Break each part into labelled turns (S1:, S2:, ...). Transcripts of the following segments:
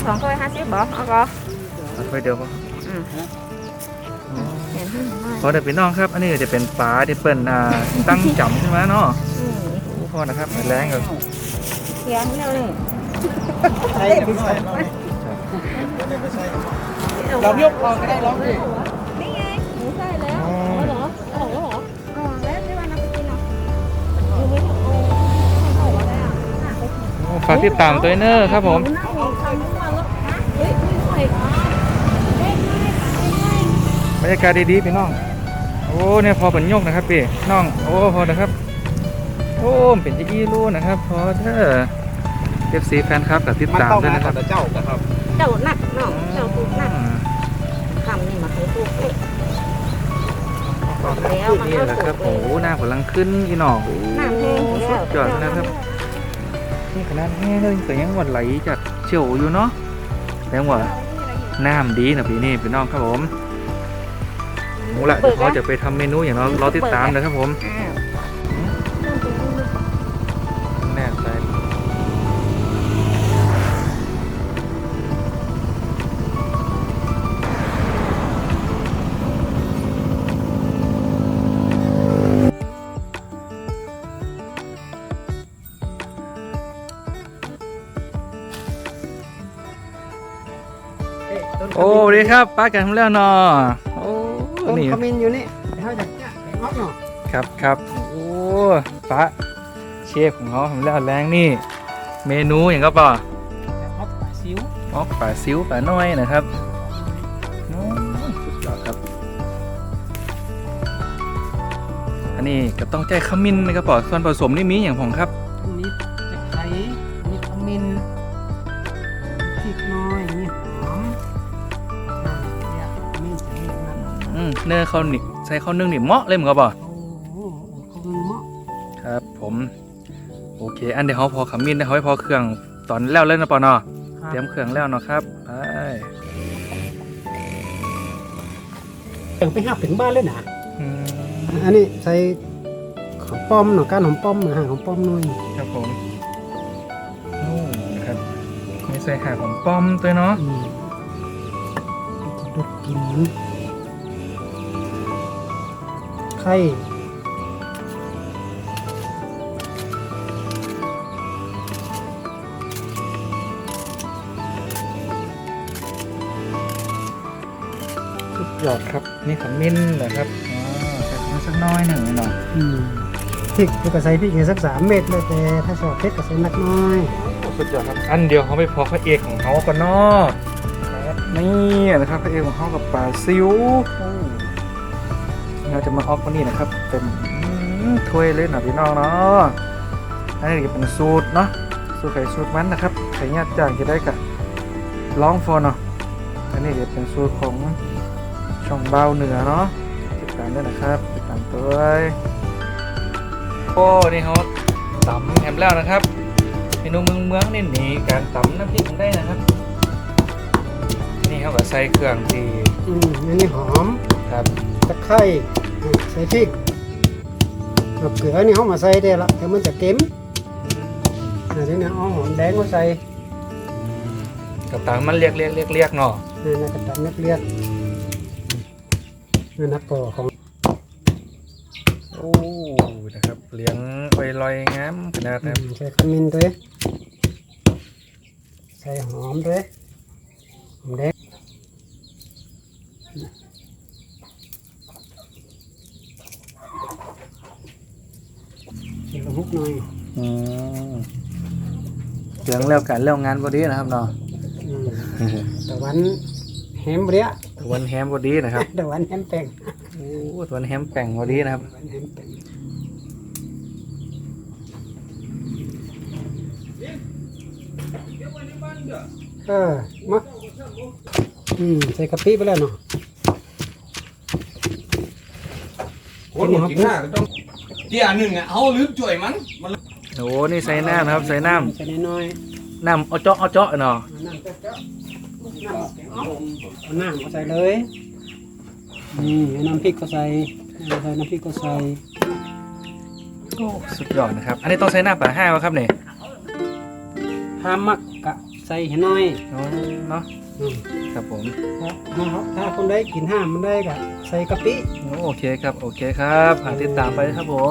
S1: 250บ่เอาก็
S2: เอาถ้วยเดียวพอ
S1: เห็นให้หน่อย
S2: พอแต่พี่น้องครับ อันนี้ก็จะเป็นปลาที่เปิ้นตั้งจำใช่ไหมเนาะพอนะครับแรงกับ
S1: เคียงแล้วนี่
S3: ใช่ไม่ใช่เรายกคอก็ได้ร้องดิ
S1: นี่ไงหนูใส่แล้วเหรอเอาแล้วเหรออ๋อแล้วที่ว่านักกินเนาะดูไม่ถูกเอาอะไรอ่ะ
S2: ฝากติดตามตัวเนอร์ครับผม บรรยากาศดีๆพี่น้อง โอ้เนี่ยพอเป็นยกนะครับพี่น้องโอ้พอนะครับโอ้เป็นจะอี้รู้นะครับพอเด้อFC แฟนครับกับติดตามด้วยนะครับ
S3: เจ้านะครับ
S1: เจ้าหนักเนาะเจ้าตูกหนักคำนี่มาคือตูกเล็กแล้วมัน
S2: นี่
S1: ก็
S2: แหละค
S1: ตู
S2: รับ
S1: ก
S2: โอ้หน้ากำลังขึ้นอีหนอก
S1: น้ำแห้ง
S2: สุดยอดนะครับนี่ขนาดแห้งเลยแต่ยังหวัดไหลจากเฉียวอยู่เนาะแต่ว่าน้ำดีนะพี่นี่พี่น้องครับผมโอ้ละเดี๋ยวเขาจะไปทำเมนูอย่างเราติดตามนะครับผมแน่ใจโอ้สวัสดีครับป้ากันทำแล้วเนาะโอ้
S3: ต้น
S2: นี่
S3: ขมิ้นอยู่นี่เขาจะแกะงอกเนาะ
S2: ครับโอ้ป้าเชฟของเขาทำแล้วแรงนี่เมนูอย่างก็ป่ะ
S3: งอกปลาซิว
S2: อ๋อปลาซิวปลาน้อยนะครับโอ้สุดยอดครับอันนี้ก็ต้องใจขมิ้นนะครับป่ะส่วนผสมนี่มีอย่างผมครับ
S3: อันนี้จะไข่นี่ขมิ้นพริกน้อยนี่หอมเนี่ยขมิ้นใส่นี่นะ
S2: เนื้อข้าวหนิใส่ข้าวนึ่งนี่เหมาะเลยเหมือนกันป่ะ
S3: โอ้โหเขาเป็นหม้อ
S2: ครับผมโอเคอันเดี๋ยวเขาพอขมิ้นเขาให้พอเครื่องตอนแล้วเล่นนะป่ะเนาะเตรียมเครื่องแล้วเนาะครับไป
S3: แต่งไปหับถึงบ้านเลยนะ
S2: อืม
S3: อันนี้ใส่หอมป้อมเนาะก้านหอมป้อมนะฮะหอมป้อมหน่อย
S2: ครับผมโอ้นะครับมีใส่หาของป้อมตัวเนาะ
S3: จะดูดกลินไข่
S2: สุดยอดครับนี่ขมิ้นเหรอครับอ๋อใส่ขมิ้นสักน้อยหนึ่งหน่อย
S3: พริกก็ใส่พริกสัก3 เม็ดเลยแต่ถ้าชอบเผ็ดก็ใส่นักน้อย
S2: สุดยอดครับอันเดียวเขาไม่พอพระเอกของเขาก็เนาะนี่นะครับพระเอกของเขากับปลาซิวเราจะมาออกวันนี้นะครับเป็นถ้วยเลยหน่อยพี่น้องเนาะอันนี้จะเป็นสูตรเนาะสูตรไข่สูตรมันนะครับไข่ยัดจางจะได้กับร้องฟอนเนาะอันนี้จะเป็นสูตรของช่องเบาเหนือเนาะติดตามด้วยนะครับติดตามตัวโอ้นี่เขาตำแฮมแล้วนะครับเมนูเมืองนี่หนีการตำน้ำพริกมันได้นะครับนี่เขาก็ใส่เครื่องที่
S3: อันนี้หอม
S2: ครับ
S3: ตะไคร้ใส่พริกกับเกลือนี่เขามาใส่ได้ละแต่มันจะเค็มอันนี้เนี่ยเอาหอมแดงมาใส่
S2: กับตังมันเรียกเนาะ
S3: นี่นะกระตันนักเรียกนี่นักก่อของ
S2: โอ้นะครับเลี้ยงไวลอยงามขนาดนะครับ
S3: ใส่ขมิ้นด้วยใส่หอมด้วยหอมแดงใส่กระพุกหน่อย
S2: เลี้ยงแล้วกันแล้วงานพอดีนะครับเนาะ
S3: ตะวันแฮมเบรีย
S2: วันแฮมพอดีนะครับ
S3: ตะวันแฮมแป้ง
S2: โอ้วันแฮมแป่งพอดีนะครับ
S3: ตะวันแฮมแป้งมาใส่กะปิไปแล้วเนาะ
S4: คนหมดกินหน้าก็ต้องเดี๋ยวหนึ่งอ่ะเอาลืมจ่วยมัน
S2: โอ้นี่ใส่น้ำนะครับใส่น้
S3: ใส่น้อย
S2: ำน้ำเอาเจาะเนาะ
S3: ๆน้ำเอาน้ำก็ใส่เลยเอาน้ำพริกก็ใส่น้ำพริกก็ใส่
S2: โอ้สุดยอดนะครับอันนี้ต้องใส่น้ำปลาห้าวะครับเนี่ย
S3: ห้ามมักกะใส่ให้น้อย
S2: อ๋อเนาะ
S3: อืม
S2: ครับผม
S3: ถ้าคนได้กินห้ามมันได้ก็ใส่กะปิ
S2: โอเคครับโอเคครับหาติดตามไปครับผม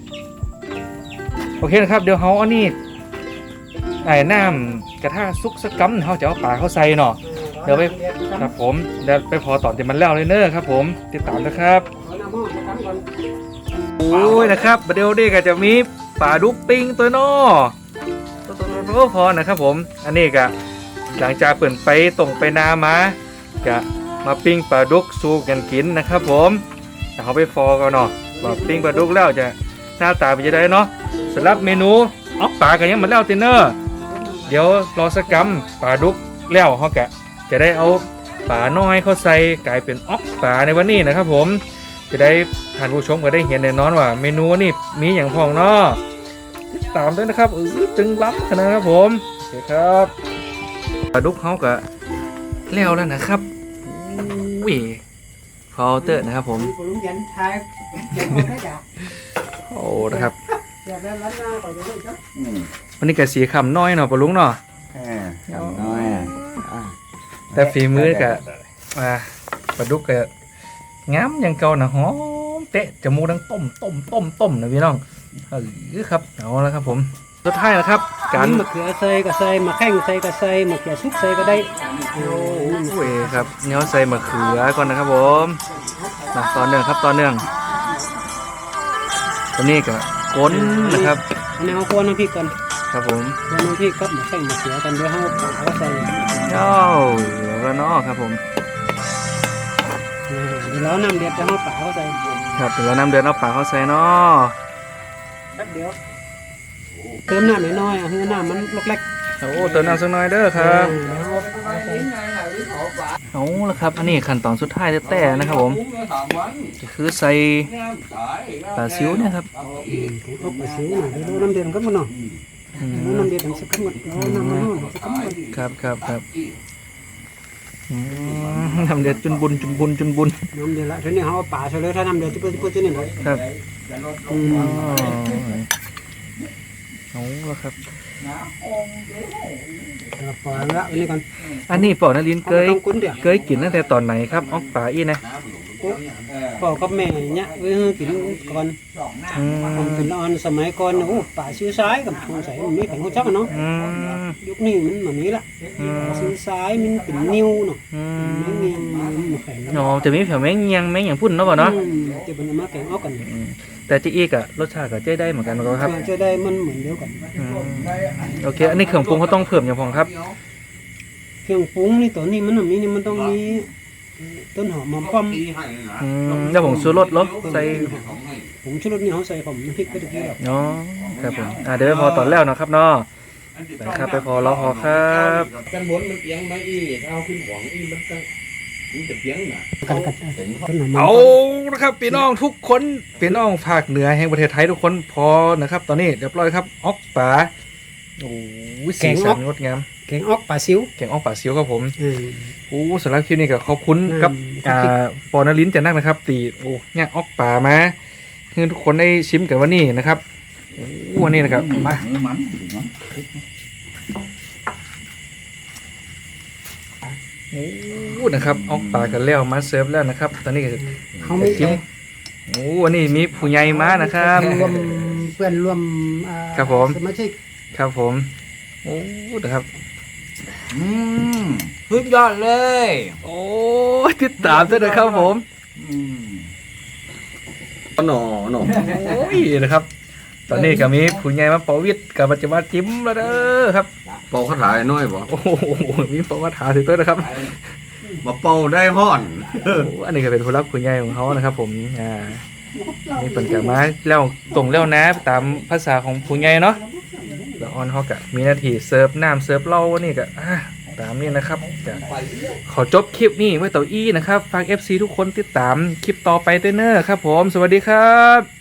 S2: โอเคนะครับเดี๋ยวเขาอันนี้ไอ้น้ำกระทะซุกสกัมเขาจะเอาปลาเข้าใส่เนาะเดี๋ยวไปครับผมเดี๋ยวไปพอตอนที่มันแล้วเลยเนอะครับผมติดตามนะครับ
S3: เอาน้ำมันมาทำก่อน
S2: โอ้ยนะครับเดี๋ยวนี้ก็จะมีปลาดุกปิ้งตัวน้อตัวพอนะครับผมอันนี้ก็หลังจากเปิดไปตรงไปนามาก็มาปิ้งปลาดุกสู้กันกินนะครับผมแต่เขาไปฟอกันเนาะว่าปิ้งปลาดุกแล้วจะหน้าตาเป็นยังไงเนาะสำหรับเมนูออกปลากันยังเหมือนแล้วตินเนอร์เดี๋ยวรอสักกัมปลาดุกแล้วเขาแกะจะได้เอาปลาน้อยเข้าใส่กลายเป็นออกปลาในวันนี้นะครับผมจะได้ท่านผู้ชมก็ได้เห็นแน่นอนว่าเมนูนี่มีอย่างพองเนาะติดตามด้วยนะครับจึงล้ำขนาดครับผมโอเคครับปลาดุกเขาก็แล้วแล้วนะครับอุ้ยพอเตอร์นะครับผม
S3: มีคนลุงยันทายเดี๋ยวเขาได้จ้ะ
S2: โอ้นะครับ
S3: เดี๋ยวได้ร้านหน้าก่อนเดี๋ยวได้จ้ะ
S2: วันนี้ก็สีคำน้อยเนาะปลาลุงเนาะ
S4: คำน้อยอ่ะ
S2: แต่ฝีมือกับปลาดุกกับงามอย่างเก่านะหอมเตะจมูกดังต้มนะพี่น้องครับเอาแล้วครับผมสุดท้ายนะครับการ
S3: มะเขือใส่ก็ใส่มะแข้งใส่ก็ใส่มะเขือซุปใส่ก็ได้โอ้
S2: โอ้ยครับเนี้ยใส่มะเขือก่อนนะครับผมนะตอนเนื่องครับตอนเนื่องตัวนี้ก็ก้นนะครับ
S3: อันนี้เอาควรน้ำพริกก่อน
S2: ครับผม
S3: ควรน้ำพริกกับมะแข้งมะเขือกันเดี๋ยวเอาใส่
S2: เจ้าเหลือแล้วเนาะครับผม
S3: เดี๋ยวเราน้ำเดือดจะเอาปลาเข้าใส่
S2: ครับเดี๋ยวเรานำเดือนเอาปลาเข้าใส่เนาะ
S3: แป๊บเดียวเติมน้ำน้อยๆให้น้ำมันลกเล็ก
S2: โอ้เติมน้ำสักหน่อยเด้อครับ
S3: เอาใส่
S2: เอาละครับอันนี้ขั้นตอนสุดท้ายแต่นะครับผมก็คือใส่ปลาซิวเนี่ยครับ
S3: เอาไปซื้อหน่อยเดี๋ยวดูน้ำเดือดก็มันเนาะ
S2: อืม
S3: ดูน้ำเดือดมันสักครั้งหมดเอาน้ำมันนู่นสักครั้งหมด
S2: ครับทำเดือดจุนบุญ
S3: น้ำเดือดละทีนี้เขาเอาปลาใส่เลยถ้าน้ำเดือดจะเปิดที่นี่เลย
S2: ครับ
S3: อืม
S2: เอาละครับ
S3: แล้วปล่อยละอันนี้ก่อน
S2: อันนี้ปอนาลินเคย
S3: ต้องกุ้นเดี๋ยว
S2: เคยกินตั้งแต่ตอนไหนครับออกปลาอีนะ
S3: พ่อกับแม่เนี่ยไว้ให้กินก่อน
S2: อื
S3: ผม
S2: ม
S3: เป็นอ่อนสมัยก่อนโอ้ป่าซื้อซ้ายกับสงสัยมันมีแข่งหัวจักเนาะ
S2: อืม
S3: ยุคนี้มันแบบนี้ละซื้อซ้ายมันเป็นนิ้วเนาะ
S2: อื
S3: ไม่
S2: ม
S3: มีแข่ง
S2: อ๋อจะมีแผวแมงเงียงแมงอย่างพุ่นเนาะบ่เนาะ
S3: จะเป็นมาแข่งเอากัน
S2: อืมแต่จีอีกอะรสชาติก็เจ๊ได้เหมือนกันครับ
S3: จะได้มันเหมือนเดียวกัน
S2: อืมโอเคอันนี้เครื่องปรุงเขาต้องเพิ่มอย่างพองครับ
S3: เครื่องปรุงนี่ตัวนี้มันมีนี่มันต้องมีต้นหอมมาป้อม
S2: อืมแล้วผมซื้อรสเหรอใส่
S3: ผมชูรสนี่เขาใส่ผมน้ำพริกไปตะกี้แล้ว
S2: เนาะครับผมเดี๋ยวไปพอตอนแล้วเนาะครับเนาะไปครับไปพอรอพอครับ
S4: กันบนมันเอียงไหมอีเอาขึ้นหวังอีมันจะเอียงน่ะ
S3: ต้นหอม
S2: เอานะครับพี่น้องทุกคนพี่น้องภาคเหนือแห่งประเทศไทยทุกคนพอนะครับ ตอนนี้เรียบร้อยครับออกป่าโอ้ยสีสันงดงาม
S3: แกงออกปลาซิว
S2: แกงออกป่าซิวครับผมโอ้สำหรับคลิปนี้ก็ขอบคุณกับปอนลิ้นจะนักนะครับตีโอ้เนี่ยออกป่ามาให้ทุกคนได้ชิมกันวันนี้นะครับโอ้วันนี้นะครับมาโอ้นะครับออกป่ากันแล้วมาเสิร์ฟแล้วนะครับ ตอนนี้ก็
S3: เขาไม่
S2: ชิมโอ้วันนี้มีผู้ใหญ่มานะครับ
S3: รวมเพื่อนรวม
S2: ครับผม
S3: สมาชิก
S2: ครับผมโอ้นะครับ
S4: สุดยอดเลย
S2: โอ้ติดตามด้วยนะครับผม
S4: หน่อ
S2: โอ้ยนะครับ ตอนนี้ก็มีผู้ใหญ่มาเป่าวิทย์กับปัจจุบันจิ้มแล้วเด้อครับ
S4: เป่าคาถาน้อยบ่
S2: โอ้โหมีเป่าคาถาถึงด้วยนะครับ
S4: มาเป่าได้ห่อน
S2: โอ้อันนี้ก็เป็นผู้รักผู้ใหญ่ของเขานะครับ ผมนี่เป็นกะมาแล้วตรงแล้วนะตามภาษาของผู้ใหญ่เนาะแล้วออนเขากะมีหน้าที่เสิร์ฟน้ำเสิร์ฟเหล้านี่ก็ตามนี้นะครับจะขอจบคลิปนี้ไว้ต่ออีนะครับฝาก FC ทุกคนติดตามคลิปต่อไปด้วยเนอะครับผมสวัสดีครับ